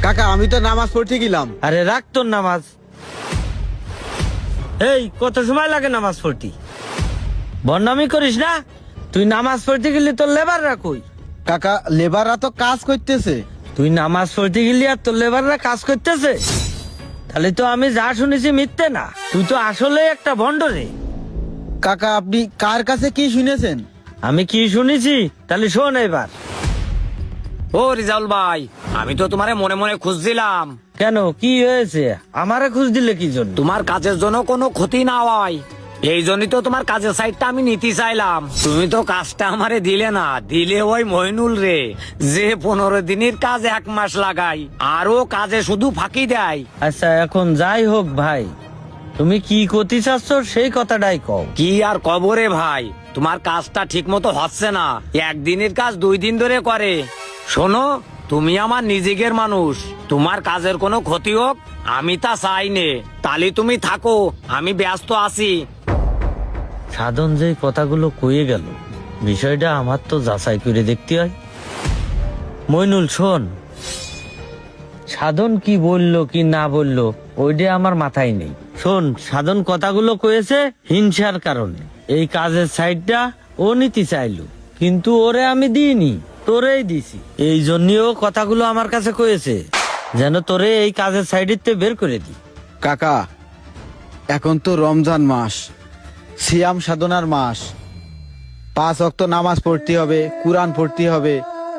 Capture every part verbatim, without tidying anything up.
কাকা আমি তো নামাজ পড়তে গেলাম। আরে রাখ তোর নামাজ। এই কত সময় লাগে নামাজ পড়তে? বদনামি করিস না। তুই নামাজ পড়তে গেলি তোর লেবাররা কই? কাকা লেবাররা তো কাজ করতেছে। তুই নামাজ পড়তে গেলি আর তোর লেবাররা কাজ করতেছে? তাহলে তো আমি যা শুনেছি মিথ্যে না, তুই তো আসলে একটা ভণ্ড রে। কাকা আপনি কার কাছে কি শুনেছেন? আমি কি শুনেছি তাহলে শোন এবার। ও রিজাউল ভাই, আমি তো তোমারে মনে মনে খুঁজছিলাম। কেন, কি হয়েছে? আমারে খুঁজ দিলে কি জন্য? তোমার কাজের জন্য কোনো ক্ষতি না হয় এই জন্যই তো তোমার কাজের সাইডটা আমি নিতে চাইলাম। তুমি তো কাজটা আমারে দিলে না, দিলে ওই মইনুল রে, যে পনেরো দিনের কাজ এক মাস লাগাই আর ও কাজে শুধু ফাঁকি দেয়। আচ্ছা এখন যাই হোক ভাই, তুমি কি করতে চাচ্ছ সেই কথাটাই কও। কি আর কবরে ভাই, তোমার কাজটা ঠিক মতো হচ্ছে না, একদিনের কাজ দুই দিন ধরে করে। শোনো, তুমি আমার নিজের মানুষ, তোমার কাজের কোনো ক্ষতি হোক আমি তা চাই নে। তাহলে তুমি থাকো, আমি ব্যস্ত আছি। সাধন যে কথাগুলো কয়ে গেল, বিষয়টা আমার তো যাচাই করে দেখতে হয়। মইনুল শোন, সাধন কি বললো কি না বললো ওইটা আমার মাথায় নেই। শোন, সাধন কথাগুলো কয়েছে হিংসার কারণে। এই কাজের সাইডটা ও নিতে চাইলো, কিন্তু ওরে আমি দিইনি, তোরেই দিছি। এই জন্যও কথাগুলো আমার কাছে কয়েছে, যেন তোরে এই কাজের সাইডেতে বের করে দি। কাকা এখন তো রমজান মাস, সিয়াম সাধনার মাস, পাঁচ ওয়াক্ত নামাজ পড়তে হবে, কুরআন পড়তে হবে।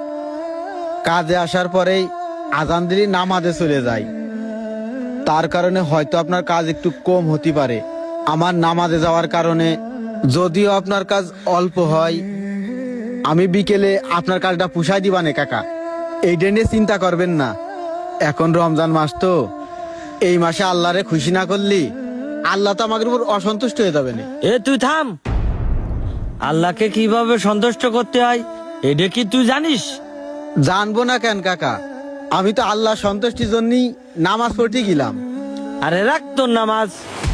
কাজে আসার পরেই আজান দিলে নামাজে চলে যায়, তার কারণে হয়তো আপনার কাজ একটু কম হতে পারে। আমার নামাজে যাওয়ার কারণে যদিও আপনার কাজ অল্প হয়, আমি বিকেলে আপনার কাজটা পুষাই দিবানে কাকা, এইটা নিয়ে চিন্তা করবেন না। এখন রমজান মাস তো, এই মাসে আল্লাহরে খুশি না করলি আল্লাহ তো আমাদের উপর অসন্তুষ্ট হয়ে যাবে না। এ তুই থাম। আল্লাহকে কিভাবে সন্তুষ্ট করতে হয় এটা কি তুই জানিস? জানবো না কেন কাকা, আমি তো আল্লাহ সন্তুষ্টির জন্যই নামাজ পড়তে গেলাম। আরে রাখ তোর নামাজ।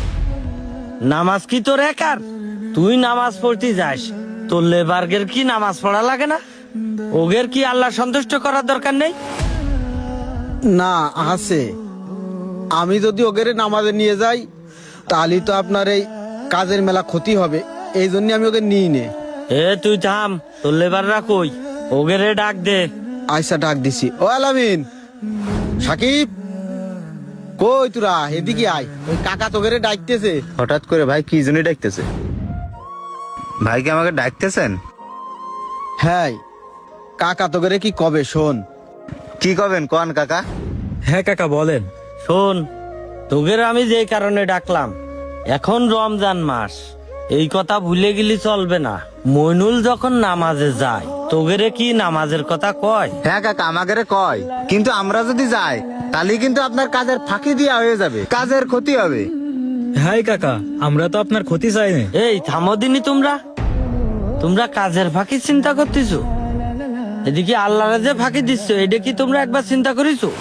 নামাজ কি তোর একার? তুই নামাজ পড়তে যাস, তোর লেবার্গের কি নামাজ পড়া লাগে না? ওগের কি আল্লাহ সন্তুষ্ট করার দরকার নেই? না আছে, আমি যদি ওকে নামাজে নিয়ে যাই তাহলে তো আপনার এই কাজের মেলা ক্ষতি হবে, এই জন্য আমি ওকে নিই নে। এ তুই থাম, তোর লেবাররা কই? ওগেরে ডাক দে। আয়সা ডাক দিছি। ও আলামিন, সাকিব, কই তোরা? এদিকে আয়, ওই কাকা তোকে ডাকতেছে। হঠাৎ করে ভাই কি জন্য ডাকতেছে? ভাই কি আমাকে ডাকতেছেন? হ্যাঁ কাকা তোকে কি কবে শোন। কি করবেন কোন কাকা? হ্যাঁ কাকা বলেন। শোন, তোগের আমি যে কারণে ডাকলাম, এখন রমজান মাস, এই কথা ভুলে গেলি চলবে না। মইনুল যখন নামাজে যায়, তোগেরে কি নামাজের কথা কয়? হ্যাঁ কাকা আমাকে কয়, কিন্তু আমরা যদি যাই তাহলে কিন্তু আপনার কাজের ফাঁকি দিয়া হয়ে যাবে, কাজের ক্ষতি হবে। হ্যাঁ কাকা, আমরা তো আপনার ক্ষতি চাই না। এই থামো দিনি, তোমরা তোমরা কাজের ফাঁকি চিন্তা করতেছো, এদিকে আল্লাহরে যে ফাঁকি দিচ্ছ এটা কি তোমরা একবার চিন্তা করেছো?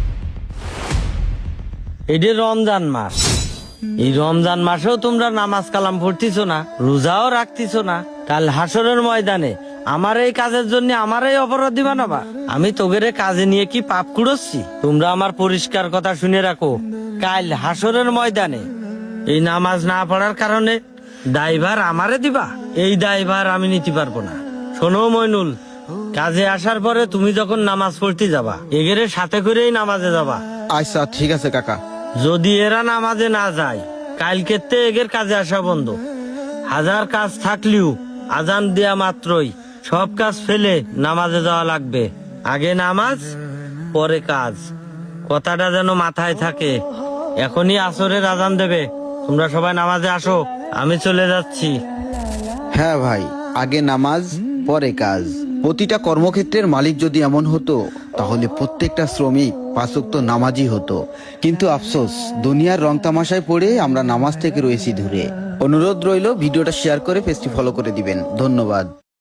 এটা রমজান মাস, এই রমজান মাসেও তোমরা নামাজ কালাম পড়তেছো না, রোজাও রাখতেছো না। কাল হাসরের ময়দানে আমার এই কাজের জন্য আমার এই অপরাধী বানাবা? আমি তোগেরে কাজে নিয়ে কি পাপ কুড়োচ্ছি? তোমরা আমার পরিষ্কার কথা শুনে রাখো, কাল হাসরের ময়দানে এই নামাজ না পড়ার কারণে দায়ভার আমারে দিবা, এই দায়ভার আমি নিতে পারবো না। শোনো মইনুল, কাজে আসার পরে তুমি যখন নামাজ পড়তে যাবা, এগেরে সাথে করেই নামাজে যাবা। আচ্ছা ঠিক আছে কাকা। যদি এরা নামাজে না যায়, কালকে তে এগের কাজে আসা বন্ধ। হাজার কাজ থাকলেও আজান দেয়া মাত্রই সব কাজ ফেলে নামাজে যাওয়া লাগবে। আগে নামাজ পরে কাজ, কথাটা যেন মাথায় থাকে। এখনই আসরের আজান দেবে, তোমরা সবাই নামাজে আসো, আমি চলে যাচ্ছি। হ্যাঁ ভাই, আগে নামাজ পরে কাজ। প্রতিটা কর্মক্ষেত্রের মালিক যদি এমন হতো তাহলে প্রত্যেকটা শ্রমিক পাঁচ ওয়াক্ত নামাজি হতো। কিন্তু আফসোস, দুনিয়ার রং তামাশায় পড়ে আমরা নামাজ থেকে রয়েছি দূরে। অনুরোধ রইল ভিডিওটা শেয়ার করে পেজটি ফলো করে দিবেন। ধন্যবাদ।